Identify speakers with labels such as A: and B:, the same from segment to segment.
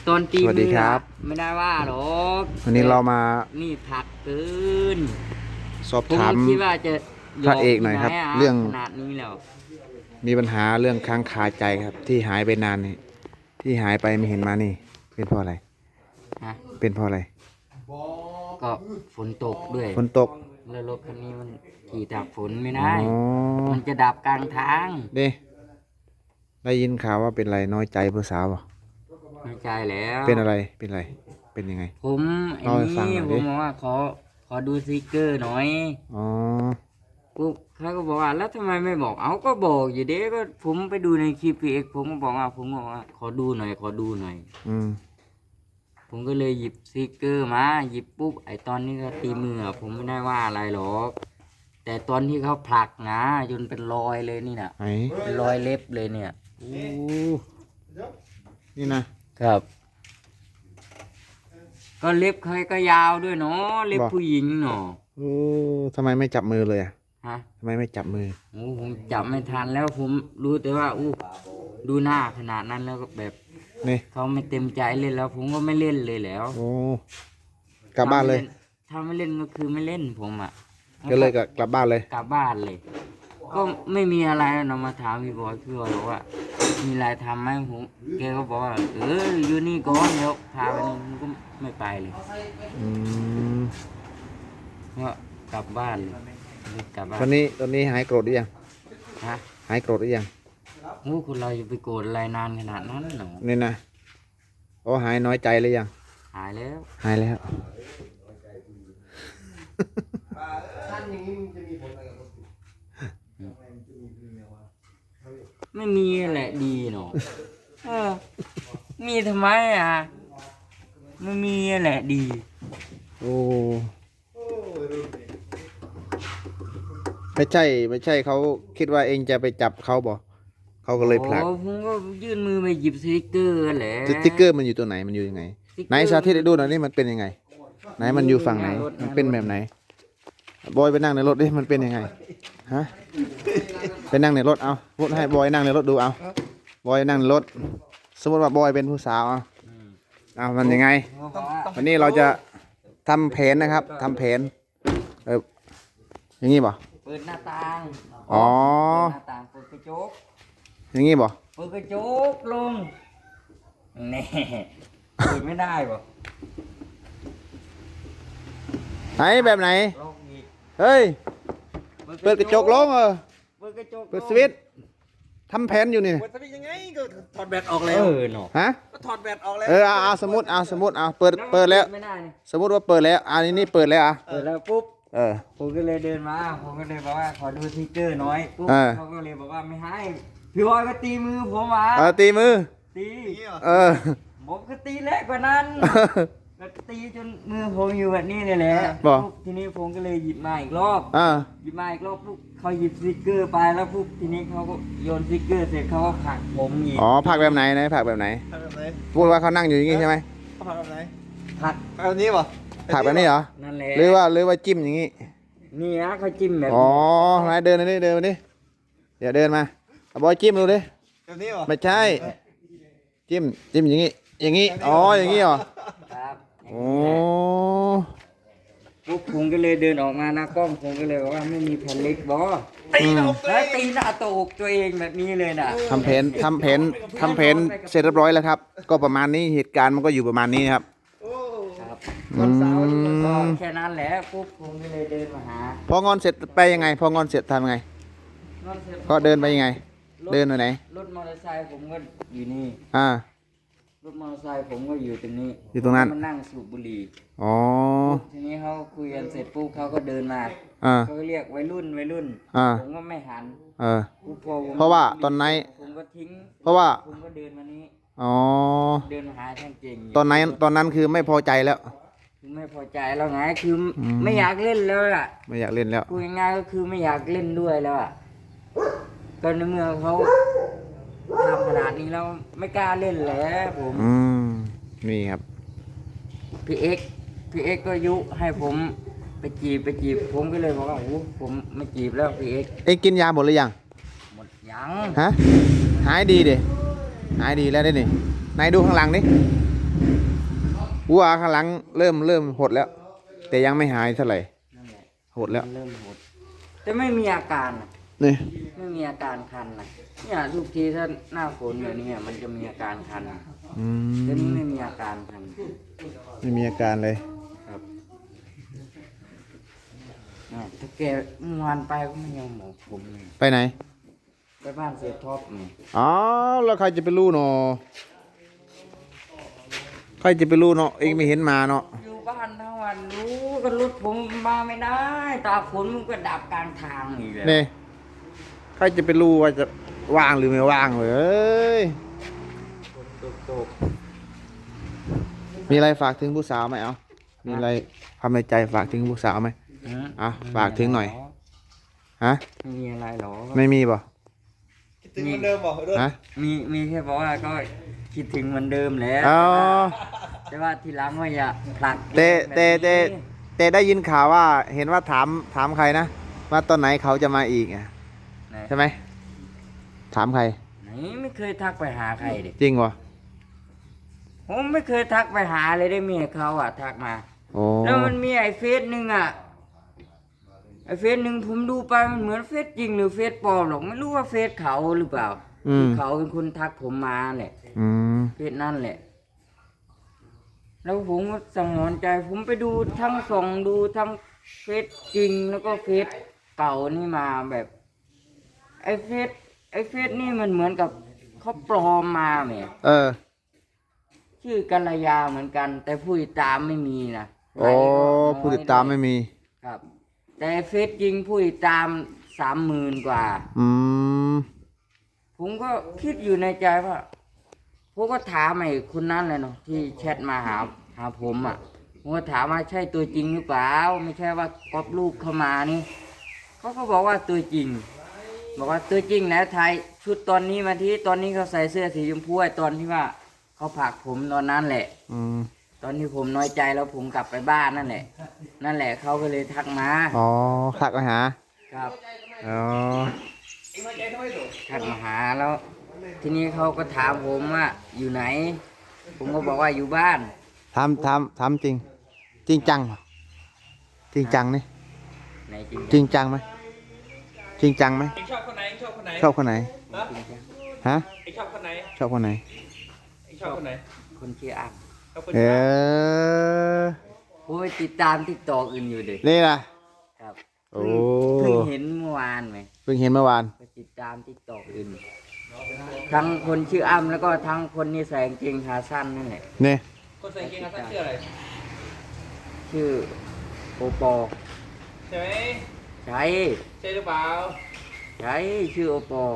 A: ตอนตี
B: สวัสดีครับ
A: ไม่ได้ว่าหรอก
B: วันนี้เรามา
A: นี่ผักเกิน
B: สอบ
A: ผม
B: ถาม
A: คิดว่าจะ
B: พระเอกหน่อยครับ
A: ที่ไะ
B: เรื่อง
A: ขนาดนี้แล้ว
B: มีปัญหาเรื่องค้างคาใจครับ ที่หายไปนานนี่ที่หายไปไม่เห็นมานี่ เป็นเพราะอะไร
A: ฮะ
B: เป็นเพราะอะไร
A: ก็ฝนตกด้วย
B: ฝนตก
A: แล้วรถคันนี้มันขี่ตากฝนไม่ได้
B: อ๋อ
A: มันจะดับกลางทาง
B: เด้ได้ยินข่าวว่าเป็นอะไรน้อยใจผู้สาวบ่
A: ไม่ใช่แล้ว
B: เป็นอะไรเป็นอะไรเป็นยังไง
A: ผมไอ้
B: เล่าให้ฟัง
A: นี่
B: หน่อย
A: ผ
B: ดิ
A: มบอกว่าขอดูสติกเกอร์หน่อย
B: อ๋อ
A: ปุ๊บเขาก็บอกว่าแล้วทำไมไม่บอกเอาก็บอกอยู่เด้ก็ผมไปดูในคลิปพีเอ็กผมก็บอกว่าขอดูหน่อยขอดูหน่อย
B: อืม
A: ผมก็เลยหยิบสติกเกอร์มาหยิบปุ๊บไอตอนนี้ก็ตีมืออะผมไม่ได้ว่าอะไรหรอก แต่ตอนที่เขาผลักนะจนเป็นรอยเลยนี่นะ
B: ไหน
A: เป็นรอยเล็บเลยเนี่ย
B: โอ้นี่นะครับ
A: ก็เล็บใครก็ยาวด้วยเนาะเล็บผู้หญิงเนาะ
B: โอ้ทำไมไม่จับมือเลยอ่ะ
A: ฮะ
B: ทำไมไม่จับมือ
A: โอ้ผมจับไม่ทันแล้วผมรู้แต่ว่าดูหน้าขนาดนั้นแล้วก็แบบ
B: นี่
A: เขาไม่เต็มใจเล่นแล้ว ผมก็ไม่เล่นเลยแล้ว
B: โอ้กลับบ้านเลย
A: ถ้าไม่เล่นก็คือไม่เล่นผมอ่ะ
B: ก็เลยกลับบ้านเลย
A: กลับบ้านเลย ก็ไม่มีอะไรนะมาถามพี่บอยบอกว่า มีอะไรทำไหมผมแกก็บอกว่าอยู่นี่ก่อนเดี๋ยวพาไปนี่ผมก็ไม่ไปเลย
B: อืม
A: ก็กลับบ้านเลยกลับบ้าน
B: ตอนนี้หายโกรธหรือยัง
A: ฮะ
B: หายโกรธหรือยัง
A: โอ้คนเราจะไปโกรธอะไรนานขนาดนั้นหรอ
B: นี่นะโอ้หายน้อยใจหรือยัง
A: หายแล้ว
B: หายแล้ว
A: ไม่มีแหละดีเนาะมีทำไมอ่ะไม่มีแหละดี
B: โอ้ไม่ใช่เขาคิดว่าเองจะไปจับเขาบ่เขาก็เลยผลัก
A: โอ้ผมก็ยื่นมือไปหยิบสติกเกอร์แหละ
B: สติ๊กเกอร์มันอยู่ตัวไหนมันอยู่ยังไง
A: สติ๊กเกอร์
B: ไหนสาธิตให้ดูหน่อยนี่มันเป็นยังไง ไหนมันอยู่ฝั่งไหน มันเป็นแบบไหนบอยไปนั่งในรถดิมันเป็นยังไงฮะไปนั่งในรถเอาพูดให้บอยนั่งในรถดูเอาบอยนั่งในรถ สมมติว่าบอยเป็นผู้สาวเอามันยังไง
A: เขาบอกว่า
B: วันนี้เราจะทำแผนนะครับทำแผนอย่างงี้บ่
A: เปิดหน้าต่าง
B: อ๋อ
A: เปิดหน้าต่างเปิดกระจก
B: อย่างงี้บ่
A: เปิดกระจกลงแน่เปิดไม่ได้บ่
B: ไหนแบบไหน
A: ลงอีก
B: เฮ้ยเปิดกระจกลง
A: เปิดกระจก
B: เปิดสวิตช์ทำแผนอยู่นี่
C: เปิดสวิตช์ยังไงก็ถอดแบตออกแล้ว
A: เนาะ
B: ฮะ
C: ก็ถอดแบตออกแล้ว
B: เอาสมมติเอาเปิดแล้ว
A: ไม่ได้นี่
B: สมมติว่าเปิดแล้วอันนี้เปิดแล้วอ่ะ
A: เปิดแล้วปุ๊บ
B: เออ
A: ผมก็เลยเดินมาผมก็เลยบอกว่าขอดูสติกเกอร์หน่อยปุ๊บ
B: เออ
A: เขาก็เลยบอกว่าไม่ให้พี่บอยก็ตีมือผมมา
B: ตีมือ
A: ตี
B: เออ
A: ผมก็ตีแรงกว่านั้นก็ตีจนมือผมอยู่แบบนี้เลยแหละ
B: บอก
A: ปุ๊บทีนี้ผมก็เลยหยิบมาอีกรอบ
B: อ่า
A: หยิบมาอีกรอบปุ๊บเขาหยิบสติกเกอร์ไปแล้วปุ๊บทีนี้เขาก็โยนสติกเกอร์เสร็จเขาก็ผลักผมอีก
B: อ๋อผักแบบไหนผักแบบไหน
C: ถอดแบบไหน
B: พูดว่าเขานั่งอยู่อย่างงี้ใช่ไหม
C: ถอดแบบไหน
A: ผลัก
C: แบบนี้ป่ะ
B: ผักแบบนี้เหรอ
A: นั่นแหละ
B: หรือว่าจิ้มอย่างงี้
A: นี่นะเขาจิ้มแบบ
B: อ๋อ
A: นี้
B: ไหนเดินมาดิเดี๋ยวเดินมาเอาบอยจิ้มดูดิ
C: แบบนี้ป่ะ
B: ไม่ใช่ จิ้มอย่างงี้อ๋ออย่างงี้เหรอ
A: ครับ
B: โอ้
A: ปุ๊บผมก็เลยเดินออกมาหน้ากล้องผมก็เลยบอกว่าไม่มีแผ่นเล็กบอ
C: ตีเราเล
A: แล้ว
C: ย
A: ตีหน้าตกตัวเองแบบนี้เลยน่ะ
B: ทำแผนเสร็จเรียบร้อยแล้วครับ ก็ประมาณนี้เหตุการณ์มันก็อยู่ประมาณนี้ครับ
C: โอ้
A: ครับ
C: วันเสาร์
A: ก็แค่นั้นแหละปุ๊บผมก็เลยเดินมาหา
B: พองอนเสร็จไปยังไง พองอนเสร็จทำยังไง
A: นอนเสร็จ
B: ก็เดินไปยังไง เดินไปไหน
A: รถมอเตอร์ไซค์ผมก็อยู่นี่
B: อ่า
A: รถมอเตอร์ไซค์ผมก็อยู่ตรงนี้
B: อยู่ตรงนั้น
A: ผมก็มานั่งสูบบุหรี่
B: อ๋อ
A: ทีนี้เขาคุยกันเสร็จปุ๊บเขาก็เดินมา
B: อ่า
A: เขาก็เรียกวัยรุ่น
B: อ่า
A: ผมก็ไม่หัน
B: เออ
A: ปุ๊บพอผม
B: เพราะว่าตอนไหน
A: ผมก็ทิ้ง
B: เพราะว่า
A: ผมก็เดินมานี้
B: อ๋อ
A: เดินมาหาช่างเก่ง
B: ตอนนั้นคือไม่พอใจแล้ว
A: คือไม่พอใจแล้วไงคืออ
B: ม
A: ไม่อยากเล่นแล้วอ่ะ
B: ไม่อยากเล่นแล้ว
A: พูดง่ายๆก็คือไม่อยากเล่นด้วยแล้วอ่ะก็ในเมื่อเขาทำขนาดนี้แล้วไม่กล้าเล่นแล้วผม
B: อืม นี่ครับ
A: พี่เอ็กก็ยุให้ผมไปจีบผมก็เลยบอกว่าโอ้ผมไม่จีบแล้วพี่เอ็ก
B: เอ็งกินยาหมดหรือยัง
A: หมดยัง
B: ฮะ หายดีดิหายดีแล้วได้นี่ไหนดูข้างหลังดิวัวข้างหลังเริ่มหดแล้ว แต่ยังไม่หายเท่าไหร่
A: นั่นแหละ
B: หดแล้ว
A: มันเริ่มหดแต่ไม่มีอาการนะ
B: นี่
A: ไม่มีอาการคันนะเนี่ยทุกทีถ้าหน้าฝนแบบนี้มันจะมีอาการคัน
B: อื
A: แต่นี่
B: ม
A: ไม่มีอาการคัน
B: ไม่มีอาการเลย
A: ครับถ้าแกเมื่อวานไปก็ไม่ยอมบอกผมเลย
B: ไปไหน
A: ไปบ้านเสียท็อปนี่
B: อ๋อแล้วใครจะไปรู้เนาะใครจะไปรู้เนาะเองไม่เห็นมาเนาะ
A: อยู่บ้านทั้งวันรู้ก็รถผมมาไม่ได้ ตาฝนมันก็ดับกลางทางอีกแล้ว
B: นี่ใครจะไปรู้ว่าจะว่างหรือไม่ว่างเลยเอ้ย
A: ฝนตก
B: มีอะไรฝากถึงผู้สาวไหมเอามีอะไรความในใจฝากถึงผู้สาวไหม
A: ๆ
B: อ่ะฝากถึงหน่อย ฮะ
A: ไม่มีอะไรหรอ
B: ไม่มีป่ะ
C: คิดถึงเหมือนเดิมบ่รถ
B: ฮะ
A: มีแค่บอกว่าก็คิดถึงเหมือนเดิมแหล้ว
B: อ๋อ
A: แต่ว่าทีหลังว่าอย่าผลัก
B: แต่ได้ยินข่าวว่าเห็นว่าถามใครนะว่าตอนไหนเขาจะมาอีกอ่ะ
A: ไหน
B: ใช่ไหมถามใคร
A: ไหนไม่เคยทักไปหาใครดิ
B: จริงวะ
A: ผมไม่เคยทักไปหาเลยได้เมียเขาอ่ะทักมา
B: โอ้
A: แล้วมันมีไอ้เฟซหนึ่งอ่ะไอ้เฟซหนึ่งผมดูไปมันเหมือนเฟซจริงหรือเฟซปลอมหรอกไม่รู้ว่าเฟซเขาหรือเปล่า
B: อืม
A: เขาเป็นคนทักผมมาแหละ
B: อืม
A: เฟซนั่นแหละ แล้วผมก็สังหรณ์ใจ ผมไปดูทั้งส่องดูทั้งเฟซจริงแล้วก็เฟซเก่านี่มาแบบ ไอ้เฟซนี่มันเหมือนกับเขาปลอมมาแหม
B: เออ
A: ชื่อกัลยาเหมือนกัน แต่ผู้ติดตามไม่มีนะ
B: โอ้ผู้ติดตามไม่มี
A: ครับ แต่เฟซจริงผู้ติดตาม 30,000 กว่า
B: อืม
A: ผมก็คิดอยู่ในใจว่าผมก็ถามไอ้คนนั้นเลยเนาะที่แชทมาหาผมอ่ะผมก็ถามว่าใช่ตัวจริงหรือเปล่าไม่ใช่ว่าก๊อปรูปเข้ามานี่เขาก็บอกว่าตัวจริง บอกว่าตัวจริงแล้วถ่ายชุดตอนนี้มาที่ตอนนี้เขาใส่เสื้อสีชมพูไอ้ตอนที่ว่าเขาผลักผมตอนนั้นแหละ
B: อืม
A: ตอนที่ผมน้อยใจแล้วผมกลับไปบ้านนั่นแหละ นั่นแหละเขาก็เลยทักมา
B: อ๋อทักมาหา
A: ครับ
B: อ๋อ
A: ทักมาหาแล้ว ทีนี้เขาก็ถามผมว่าอยู่ไหน ผมก็บอกว่าอยู่บ้าน
B: ทำจริง จริงจังเหรอจริงจังนี่
A: ไหนจริง
B: จริงจังไหมจริงจังไหม
C: เองชอบคนไหนเองชอบคนไหน
B: ชอบคนไหน
C: ฮะ
A: จริงจัง
B: ฮะ
C: เองชอบคนไหน
B: ชอบคนไหน
C: เองชอบคนไหน
A: คนชื่ออ้าง
C: ชอบคน
B: เอ
C: ไหน
B: อ
A: ผมไปติดตามทิกตอกอื่นอยู่เด็ก
B: นี่ล่ะ
A: ครับ
B: โอ้
A: เพิ่งเห็นเมื่อวานไหม
B: เพิ่งเห็นเมื่อวาน
A: ไปติดตามทิกตอกอื่น ทั้งคนชื่ออ้ำแล้วก็ทั้งคนนี่ใส่กางเกงขาสั้นนั่นแหละ
B: นี่
C: คนใส่กางเกงขาสั้นชื่ออะไร
A: ชื่อโอปอ
C: ใช่ไหม
A: ใช่
C: ใช่หรือเปล่า
A: ใช่ชื่อโอปอ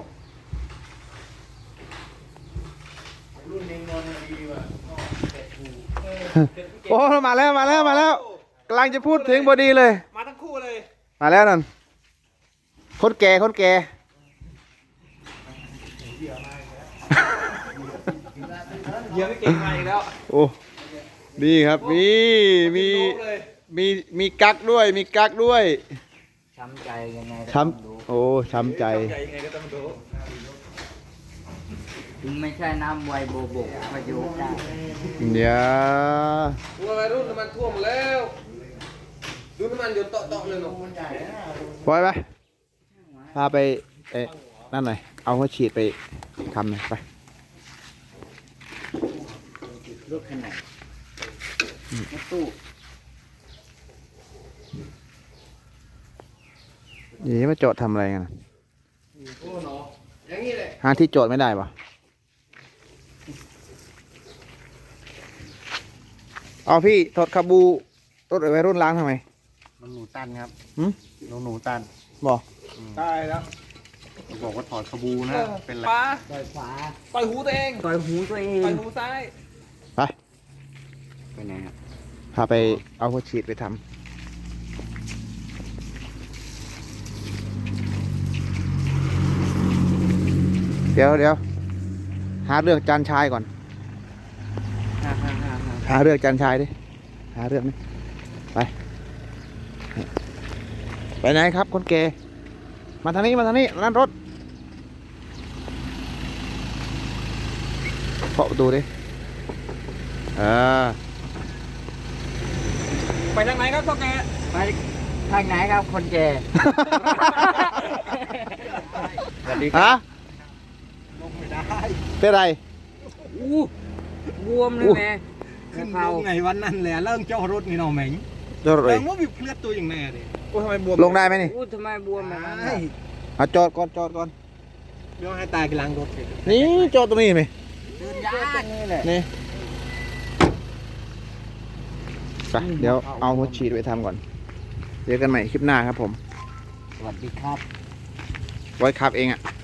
B: โอ้มาแล้วกำลังจะพูดถึงพอดีเลย
C: มาทั้งคู่เลย
B: มาแล้วนั่นคนแก่
C: เหยียบไม่เก่งมาอีกแล้ว
B: โอ้ดีครับมีกักด้วยมีกักด้วย
A: ช้ำใจยังไงก็
B: ช้
A: ต้องดู
B: ำโอ้ช้ำใจ
C: ใหญ่ยังไงก็ต้องดู
A: ถึงไม่ใช่น้ำไวโบโบกประโยชน์ได้
B: เดี๋ยว
C: ตัววัยรุ่นน้ำมันท่วมแล้ว ดูน้ำมันหยดเตาะๆเลยหนู
B: ปล่อยไปพาไปนั่นหน่อยเอาหัวฉีดไปทำหน่อยไป
A: รถขนาดรถตู้
B: นี่มาจอดทำอะไรกันน่ะ
C: โอ้หนออย่างนี้แหละ
B: หาที่จอดไม่ได้ปะเอาพี่ถอดคาบูรถวัยรุ่นล้างทำไม
D: มันหนูตันครับ
B: หืม
D: หนูตัน
B: บอก
C: ตายแล้ว
D: บอกว่าถอดขบูนะ เป็นไร
C: ปลา
A: ต่อยขวา
C: ต่อยหูตัวเอง
A: ต่อยหูตัวเอ
C: ต่อย
A: ง
C: หูซ้าย
B: ไป
A: ไปไหนครับ
B: พาไปเอาหัวฉีดไปทำเดี๋ยวหาเรื่องจานชายก่อน หาเรื่องจานชายดิหาเรื่องนี่ไปไหนครับคนแก่มาทางนี้นั่นรถเคาะประตูดิ
C: ไปทางไหนครับพ่อแก
A: ไปทางไหนครับคนแก่ สวัสดีค
B: ฮะ
A: รับ
D: ลงไม่ได้
B: เป็นไร
A: อู้บวมเลยแม่
D: ขึ้นล
A: เขา
D: งไงวันนั้นแหละเริ่มเจ้ารถนี่เนาะแม่ง
B: จอดเล
D: เริ่
B: ย
D: มว่ามีเคลื่อนตัวอย่างแน่เลยโอ้ทำไมบวม
B: ลงได้ไหมนี่
A: อู้ทำไมบวมแบบนั้น
D: ไอ้
A: น่ะ
B: เอาจอดก่อนจอดก่อน
D: เดี๋ยวให้ตายกำลังรถสิ
B: นี่จอดตรงนี้ไหม
A: เดินยากนี่แหละ
B: นี่ไปเดี๋ยวเอาหัวฉีดไปทำก่อนเจอกันใหม่คลิปหน้าครับผม
A: สวัสดีครับ
B: ไว้ขับเองอ่ะ